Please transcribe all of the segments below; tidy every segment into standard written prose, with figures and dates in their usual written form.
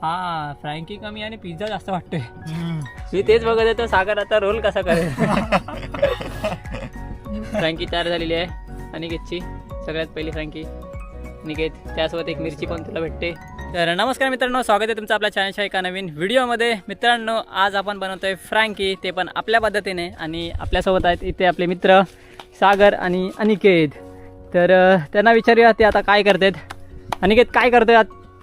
हा फ्रँकी कमी आणि पिझ्झा जास्त वाटतोय. मी तेच बघत होतो सागर आता रोल कसा करेल. फ्रँकी तयार झालेली आहे अनिकेतची. सगळ्यात पहिली फ्रँकी निकेत, त्यासोबत एक मिरची पण तुला भेटते. तर नमस्कार मित्रांनो, स्वागत आहे तुमचं आपल्या चॅनलच्या एका नवीन व्हिडिओमध्ये. मित्रांनो, आज आपण बनवतोय फ्रँकी, ते पण आपल्या पद्धतीने. आणि आपल्यासोबत आहेत इथे आपले मित्र सागर आणि अनिकेत. तर त्यांना विचारूया ते आता काय करतात. अनिकेत काय करतोय?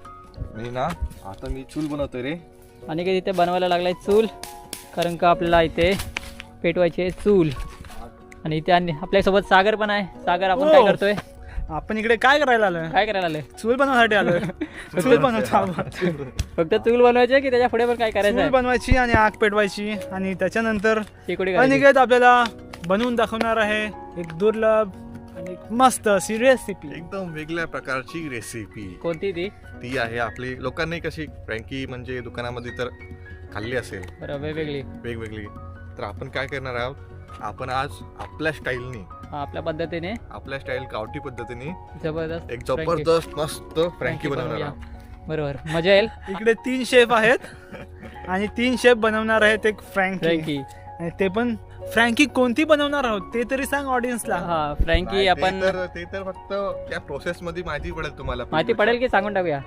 मी ना आता मी चूल बनवतोय रे. अनिकेत इथे बनवायला लागलाय चूल, कारण का आपल्याला इथे पेटवायची आहे चूल. आणि इथे आपल्यासोबत सागर पण आहे. सागर, आपण काय करतोय? आपण इकडे काय करायला आलोय? काय करायला आलोय? चूल बनवण्यासाठी आलोय. चूल बनवतो. फक्त चूल बनवायची की त्याच्या पुढे पण काय करायचं? चूल बनवायची आणि आग पेटवायची आणि त्याच्यानंतर शेकोडी अनिकेत आपल्याला बनवून दाखवणार आहे एक दुर्लभ आणि एक मस्त अशी रेसिपी. एकदम वेगळ्या प्रकारची रेसिपी. कोणती ती? ती आहे आपली लोकांनी कशी फ्रँकी म्हणजे दुकानामध्ये तर खाल्ली असेल बरोबर, वेगवेगळी वेगवेगळी. तर आपण काय करणार आहोत, आपण आज आपल्या स्टाईलनी, आपल्या पद्धतीने, आपल्या स्टाईल गावठी पद्धतीने जबरदस्त एक जबरदस्त मस्त फ्रँकी बनवणार आहोत. बरोबर, मजा येईल. इकडे 3 शेफ आहेत आणि 3 शेफ बनवणार आहेत एक फ्रँकी. आणि ते पण फ्रँकी कोणती बनवणार आहोत ते तरी सांग ऑडियन्सला. हा, फ्रँकी नाही, आपण ते तर फक्त त्या प्रोसेस मध्ये माहिती पडेल तुम्हाला. माहिती पडेल की सांगून टाकूया?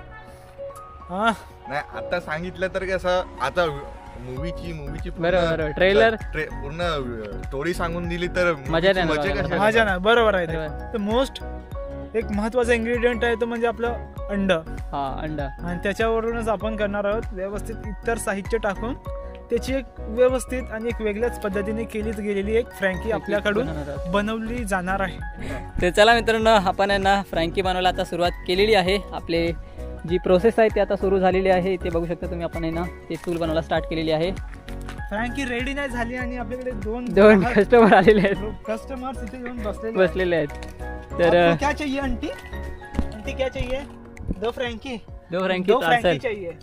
हा, नाही, आता सांगितलं तर कसं, आता मूवीची बरोबर, ट्रेलर पूर्ण स्टोरी सांगून दिली तर मजा नाही मजा येणार. कशी? मजा ना. बरोबर आहे. बरोबर. तर मोस्ट एक महत्वाचा इन्ग्रेडियंट आहे तो म्हणजे आपलं अंड. हा, अंडा. आणि त्याच्यावरूनच आपण करणार आहोत व्यवस्थित इतर साहित्य टाकून त्याची एक व्यवस्थित आणि एक वेगळ्याच पद्धतीने केलीच गेलेली एक फ्रँकी आपल्याकडून बनवली जाणार आहे. तर चला मित्रांनो, आपण यांना फ्रँकी बनवायला आता सुरुवात केलेली आहे. आपले जी प्रोसेस आहे ती आता सुरू झालेली आहे. ते बघू शकता तुम्ही. आपण ना ते चूल बनवायला स्टार्ट केलेली आहे. फ्रँकी रेडी नाही झाली आणि आपल्याकडे दोन कस्टमर आलेले आहेत, कस्टमर्स इथे येऊन बसलेले आहेत. तर आपको क्या चाहिए आंटी? आंटी क्या चाहिए? दो फ्रँकी चाहिए.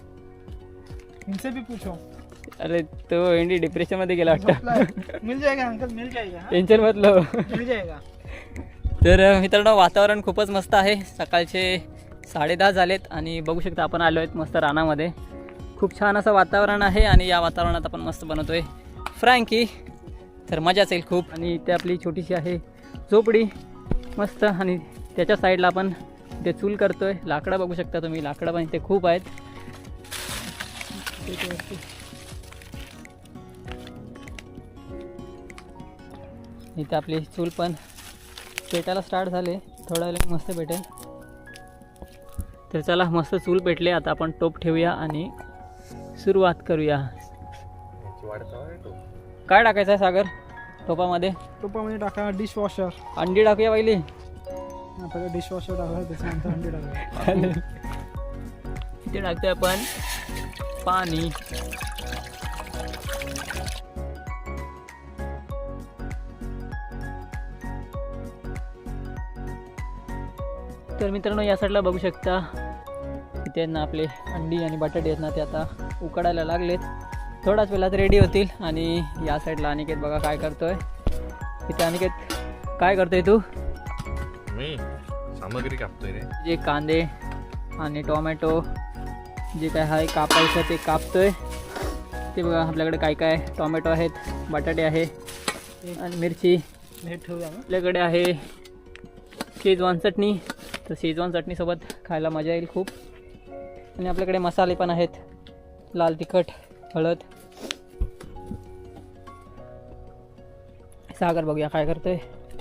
इनसे भी पूछो. अरे तो एंडी डिप्रेशन मध्ये गेला वाटतं. मिल जाएगा अंकल, मिल जाएगा. टेन्शन मतलं. मिल जाएगा. तर मित्रांनो, वातावरण खूपच मस्त आहे. सकाळचे 10:30 झालेत आणि बघू शकता आपण आलो आहेत मस्त रानामध्ये. खूप छान असं वातावरण आहे आणि या वातावरणात आपण मस्त बनवतोय फ्रँकी. तर मजाच येईल खूप. आणि इथे आपली छोटीशी आहे झोपडी मस्त. आणि त्याच्या साईडला आपण इथे चूल करतोय. लाकडं बघू शकता तुम्ही, लाकडं पण इथे खूप आहेत. इथे आपली चूल पण पेटायला स्टार्ट झाले. थोडा वेळ मस्त पेटेल. तर चला, मस्त चूल पेटले. आता आपण टोप ठेवूया आणि सुरुवात करूया. काय टाकायचं आहे सागर टोपामध्ये? टोपामध्ये टाका डिशवॉशर. अंडी टाकूया पहिली. आपल्याला डिशवॉशर टाका, त्याच्यानंतर अंडी टाका. इथे टाकतोय आपण पाणी. तर मित्रांनो, या साईडला बघू शकता इथे ना आपले अंडी आणि बटाटे आहेत ना, ते आता उकडायला लागलेत. थोड्याच वेळात रेडी होतील. आणि या साईडला अनिकेत बघा काय करतोय. इथे अनिकेत काय करतोय तू? मी सामग्री कापतोय रे. जे कांदे आणि टोमॅटो जे काय आहे कापायचं ते कापतोय. ते बघा आपल्याकडे काय काय टोमॅटो आहेत, बटाटे आहे आणि मिरची. हे ठेवूया. आपल्याकडे आहे शेजवान चटणी. तर शेजवान चटणीसोबत खायला मजा येईल खूप. आणि आपल्याकडे मसाले पण आहेत, लाल तिखट, हळद. सागर बघूया काय करतोय.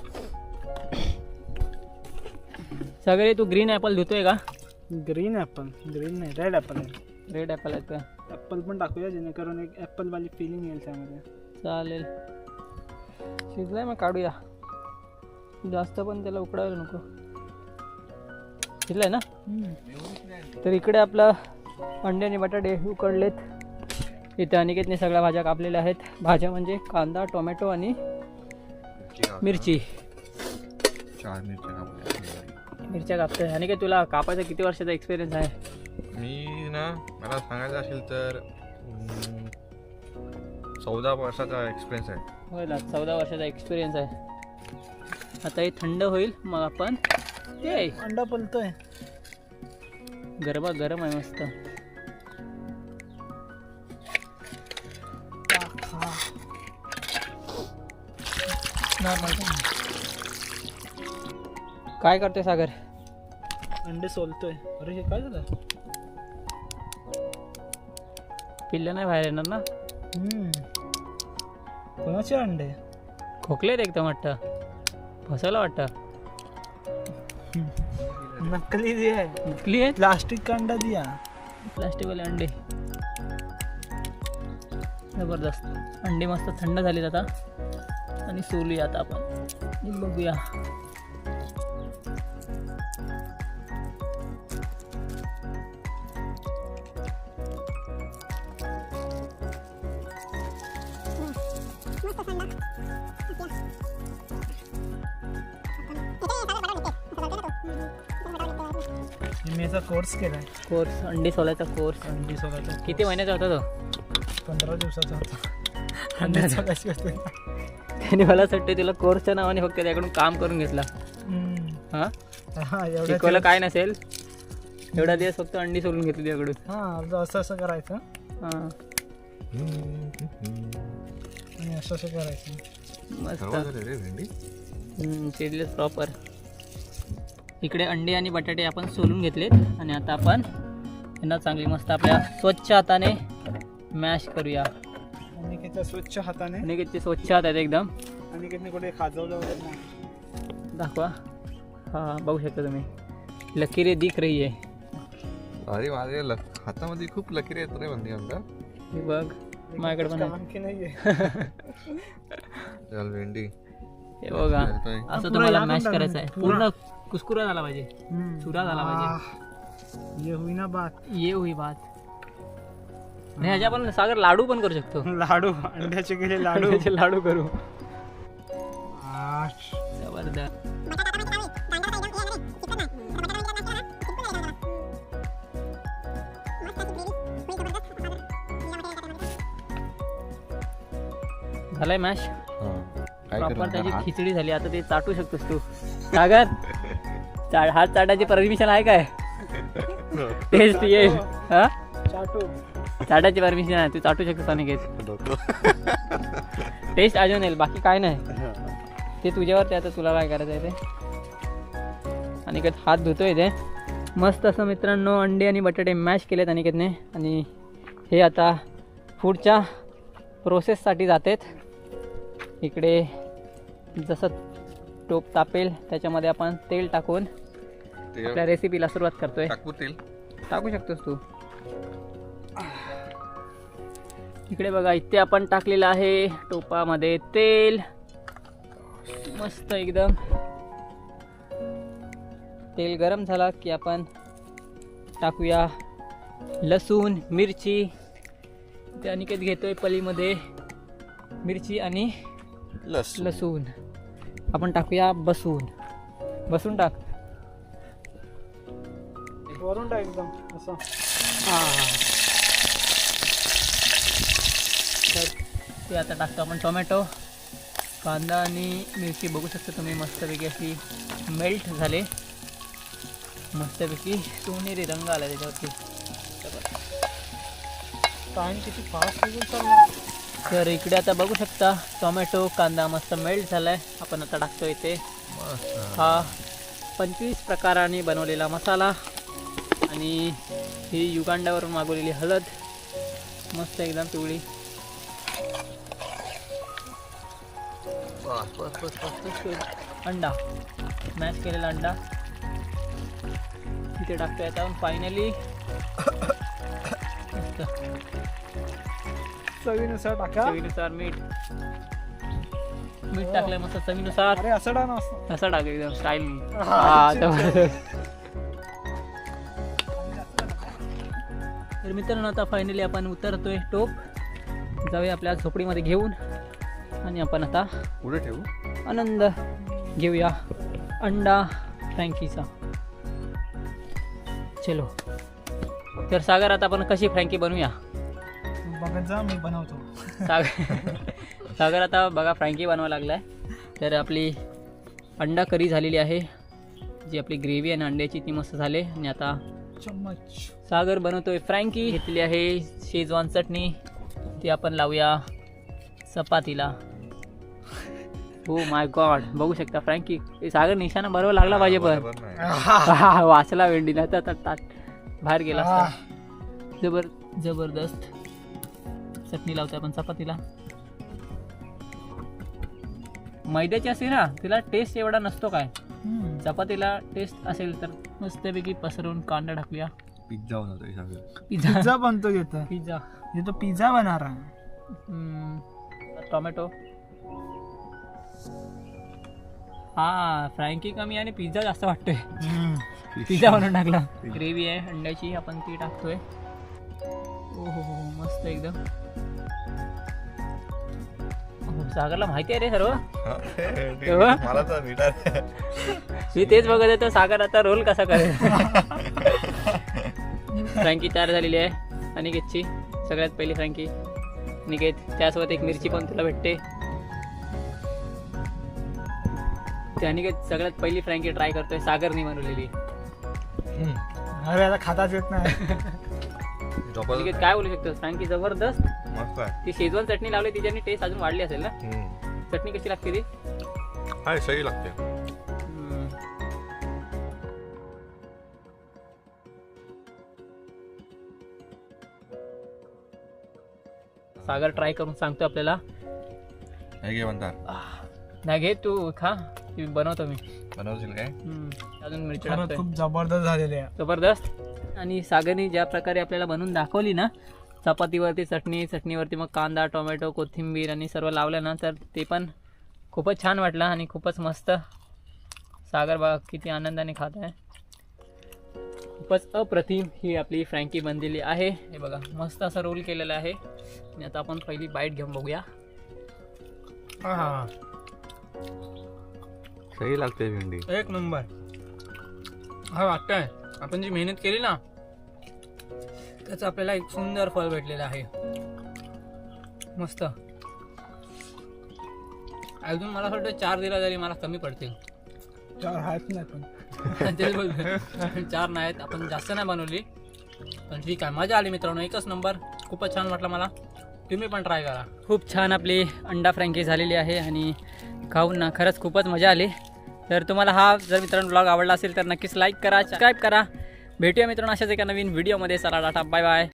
सागर, तू ग्रीन ॲपल धुतोय का? Green apple? ग्रीन नाही, रेड ॲपल आहे. रेड ॲपल आहेत का? ॲपल पण टाकूया जेणेकरून एक ॲपलवाली फिलिंग येईल त्यामध्ये. चालेल, शिजलाय मग काढूया. जास्त पण त्याला उकडायला नको. शिजलाय ना? तर इकडे आपला अंडे आणि बटाटे उकडलेत. इथे अनिकेतने सगळ्या भाज्या कापलेल्या आहेत. भाज्या म्हणजे कांदा, टोमॅटो आणि मिरची. 4 मिरच्या. मिरच्या कापतोय. अनिकेत, तुला कापायचा किती वर्षाचा एक्सपिरियन्स आहे? मी ना, मला सांगायचं असेल तर 14 वर्षाचा एक्सपिरियन्स आहे. होय ना, 14 वर्षाचा एक्सपिरियन्स आहे. आता हे थंड होईल मग आपण ते अंडा पलतोय. गरम आहे मस्त. दिसणार नाही का? काय करतोय सागर? अंडे सोलतोय. अरे हे काय झालं? पिल्लं नाही बाहेर येणार ना? कोणाचे अंडे? खोकलेत एकदम वाटतं, फसवलं वाटतं. नकली दिया है, नकली आहेत प्लास्टिक का अंडा दिया. प्लास्टिकवाले अंडे. जबरदस्त अंडे मस्त थंड झालीत आता आणि सोलूया आता आपण. हे बघूया. मी याचा कोर्स केलाय. कोर्स अंडी सोलायचा कोर्स. अंडी सोलायचा किती महिन्याचा होता तो? 15 दिवसाचा होता. अंडे सोलायची होते. त्याने मला असं वाटतं तुला कोर्सच्या नावाने फक्त त्याकडून काम करून घेतला. हा एवढं शिकवलं काय नसेल, एवढा दिवस फक्त अंडी सोलून घेतली त्याकडून. हा असं असं करायचं हा आणि असं असं करायचं. मस्त चिरलेच प्रॉपर. इकडे अंडे आणि बटाटे आपण सोलून घेतलेत आणि आता आपण यांना चांगली मस्त आपल्या स्वच्छ हाताने मॅश करूया. आणि किती स्वच्छ हाताने आणि किती स्वच्छ हात आहेत एकदम. आणि किती कुठे खाजवलं वगैरे नाही. दाखवा. हा बघू शकता तुम्ही, लकीरे दिख रही आहे. अरे माझ्या हातामध्ये खूप लकीर येत रे बंदी अंडा. हे बघ माझ्याकडे पण आहे. आणखी नाहीये. चल भेंडी. हे बघा असं तुम्हाला मॅश करायचं आहे. पूर्ण कुस्कुरा झाला पाहिजे, चुरा झाला पाहिजे. ये हुई ना बात. ये हुई बात. आणि ह्याच्या आपण सागर लाडू पण करू शकतो. लाडू अंड्याचे गेले लाडू. अंड्याचे लाडू करू. आश. जबरदस्त. झालंय मॅश प्रॉपर. त्याची खिचडी झाली. आता ते चाटू शकतोस तू सागर. हात चाटायची परमिशन आहे काय? टेस्ट येईल. हा चाटू. चाटायची परमिशन आहे, तू चाटू शकतोस अनिकेत. टेस्ट अजून येईल, बाकी काय नाही. ते तुझ्यावरती आता तुला काय करायचं आहे ते. अनिकेत हात धुतोय ते मस्त असं. मित्रांनो अंडे आणि बटाटे मॅश केलेत अनिकेतने आणि हे आता पुढच्या प्रोसेससाठी जातेत. इकडे जसं टोप तापेल त्याच्यामध्ये आपण तेल टाकून आपल्या रेसिपीला सुरुवात करतोय. तेल टाकू शकतोस तू. इकडे बघा, इथे आपण टाकलेलं आहे टोपामध्ये तेल. मस्त एकदम. तेल गरम झाला की आपण टाकूया लसूण मिरची. ते अनिकेत घेतोय पलीमध्ये मिरची आणि लसूण. आपण टाकूया बसून टाक. वरून टाक एकदम असं. तर ते आता टाकतो आपण टोमॅटो. कांदा आणि मिरची बघू शकता तुम्ही मस्तपैकी अशी मेल्ट झाले. मस्तपैकी सोनेरी रंग आला त्याच्यावरती. टाइम किती फास्ट निघून चालला. तर इकडे आता बघू शकता टोमॅटो कांदा मस्त मेल्ट झालाय. आपण आता टाकतो इथे हा 25 प्रकाराने बनवलेला मसाला आणि ही युगांडावरून मागवलेली हळद मस्त एकदम पिवळी. अंडा मॅश केलेला अंडा इथे टाकतो. आता फायनली चवीनुसार टाका. चवीनुसार मीठ टाकलंय मस्त चवीनुसार. अरे असं टाक ना. असं टाक एकदम स्टाईल. तर मित्रांनो आता फायनली आपण उतरतोय टोप. जाऊया आपल्या झोपडीमध्ये घेऊन आणि आपण आता पुढे ठेवू. आनंद घेऊया अंडा फ्रँकीचा. चलो. तर सागर आता आपण कशी फ्रँकी बनवूया बघत जा, मी बनवतो. सागर आता बघा फ्रँकी बनवायला लागलाय. तर आपली अंडा करी झालेली आहे. जी आपली ग्रेव्ही आणि अंड्याची ती मस्त झाली. आणि आता चम्मच सागर बनवतोय फ्रँकी. घेतली आहे शेजवान चटणी. ती आपण लावूया चपातीला. हो माय गॉड, बघू शकता फ्रँकी. हे सागर निशाणा बरोबर लागला पाहिजे पण बरोबर नाही. हा, वाचला वेंडी नाही तर ताट बाहेर गेला असता. जबरदस्त चटणी लावतोय आपण चपातीला. मैद्याची असते ना तिला टेस्ट एवढा नसतो काय, चपातीला टेस्ट असेल तर मस्तपैकी पसरवून कांदा टाकूया. पिझ्झा बनवतोय सागर. पिझ्झा बनतो येतं. पिझ्झा, तो पिझ्झा बनणार आहे. टोमॅटो. हा फ्रँकी कमी आणि पिझ्झा जास्त वाटतोय. पिझ्झा बनवून टाकला. ग्रेव्ही आहे अंड्याची, आपण ती टाकतोय. ओ हो मस्त एकदम. सागरला माहिती आहे रे सर्व. मला तर नीट मी तेच बघत आहे तर सागर आता रोल कसा करेल. फ्रँकी तयार झालेली आहे अनिकेतची. सगळ्यात पहिली फ्रँकी निकेत, त्यासोबत एक मिरची पण तुला भेटते. ते अनिकेत सगळ्यात पहिली फ्रँकी ट्राय करतोय सागरनी बनवलेली. अरे आता खाताच येत नाही. अनिकेत काय बोलू शकतो, फ्रँकी जबरदस्त. मस्त आहे. ती शेजवान चटणी लावली तिच्यानी टेस्ट अजून वाढली असेल ना. चटणी कशी लागते ती? हाय सही लागते. सागर ट्राय करून सांगतो आपल्याला. हे घे म्हणतात. नाही घे तू खा, ती बनवतो मी. बनवशील काय? अजून मिरची खरंच टाकतोय. खूप जबरदस्त झालेले आहे. जबरदस्त. आणि सागरनी ज्या प्रकारे आपल्याला बनवून दाखवली ना, चपातीवरती चटणी, चटणीवरती मग कांदा, टोमॅटो, कोथिंबीर आणि सर्व लावलं ना, तर ते पण खूपच छान वाटलं आणि खूपच मस्त. सागर बघा किती आनंदाने खात आहे. खूपच अप्रतिम ही आपली फ्रँकी बनलेली आहे. हे बघा मस्त असं रोल केलेलं आहे. आणि आता आपण पहिली बाईट घेऊन बघूया. सही लागते भेंडी. एक नंबर. हा वाटतंय आपण जी मेहनत केली ना त्याचं आपल्याला एक सुंदर फळ भेटलेलं आहे. मस्त. अजून मला वाटतं 4 दिला तरी मला कमी पडतील. 4 आहेत नाही पण. तेच बोलतोय. 4 नाहीत, आपण जास्त नाही बनवली पण ठीक आहे. मजा आली मित्रांनो, एकच नंबर. खूपच छान वाटलं मला. तुम्ही पण ट्राय करा. खूप छान आपली अंडा फ्रँकी झालेली आहे आणि खाऊन ना खरंच खूपच मजा आली. तर तुम्हाला हा जर मित्रांनो ब्लॉग आवडला असेल तर नक्कीच लाईक करा, सबस्क्राईब करा. भेटूया मित्रांनो अशाच एका नवीन व्हिडिओमध्ये. चला टाटा, बाय बाय.